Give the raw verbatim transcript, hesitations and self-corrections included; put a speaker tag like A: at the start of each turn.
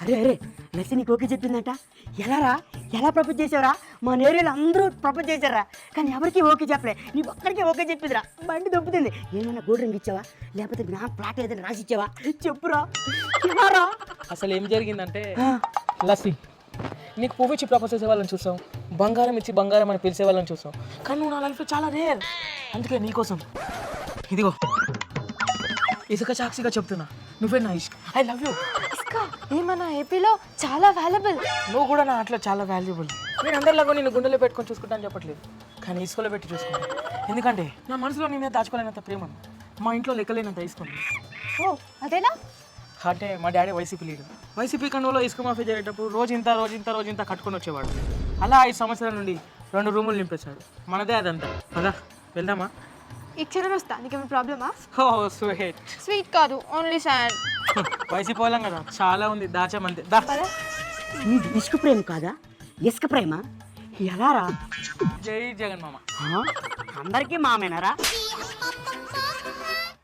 A: అరే అరే లసి నీకు ఓకే చెప్పిందంట. ఎలారా ఎలా ప్రపోజ్ చేసావురా? మా నేరేళ్ళు అందరూ ప్రపోజ్ చేశారా, కానీ ఎవరికి ఓకే చెప్పలే, నీ ఒక్కడికి ఓకే చెప్పిందిరా. బండి దొబ్బుతుంది. ఏమైనా గోల్డ్ రింగ్ ఇచ్చావా, లేకపోతే నా ప్లాట్ ఏదైనా రాసి ఇచ్చావా? చెప్పురా ఎలారా?
B: అసలు ఏం జరిగిందంటే లస్సీ, నీకు పువ్వు ఇచ్చి ప్రపోజ్ చేసే వాళ్ళని చూసాం, బంగారం ఇచ్చి బంగారం అని పిలిచే వాళ్ళని చూసాం, కానీ నువ్వు నా లైఫ్లో చాలా రేర్. అందుకే నీకోసం ఇదిగో ఇసుక సాక్షిగా చెప్తున్నా, నువ్వే నా ఇష్క. I love you.
C: ఇసుక ఏమన్నా ఏపీలో చాలా వాల్యుబుల్.
B: నువ్వు కూడా నా అట్లా చాలా వాల్యుబుల్. నేను అందరిలాగా నేను గుండెలో పెట్టుకొని చూసుకుంటా అని చెప్పట్లేదు, కానీ ఇసుకలో పెట్టి చూసుకుంటాను. ఎందుకంటే నా మనసులో నేనే దాచుకోలేనంత ప్రేమ, మా ఇంట్లో లెక్కలేనంత ఇసుకుంది.
C: ఓ అదేనా?
B: అంటే మా డాడీ వైసీపీ లీడర్. వైసీపీ కండువలో ఇసుక మాఫీ జరిగేటప్పుడు రోజు ఇంత రోజు ఇంత రోజు ఇంత కట్టుకొని వచ్చేవాడు. అలా ఐదు సంవత్సరాల నుండి రెండు రూములు నింపేశాడు. మనదే అదంతా. పదా వెళ్దామా?
C: ఈ క్షణం వస్తా. నీకేమైనా ప్రాబ్లమా?
B: Oh sweet.
C: స్వీట్ కాదు, ఓన్లీ శాండ్.
B: వైసీపీ వాళ్ళం కదా, చాలా ఉంది దాచామంతే. దా
A: నీది ఇసుక ప్రేమ కాదా, ఇసుక ప్రేమ? ఎలారా?
B: జై జగన్ మామ.
A: అందరికీ మామేనారా?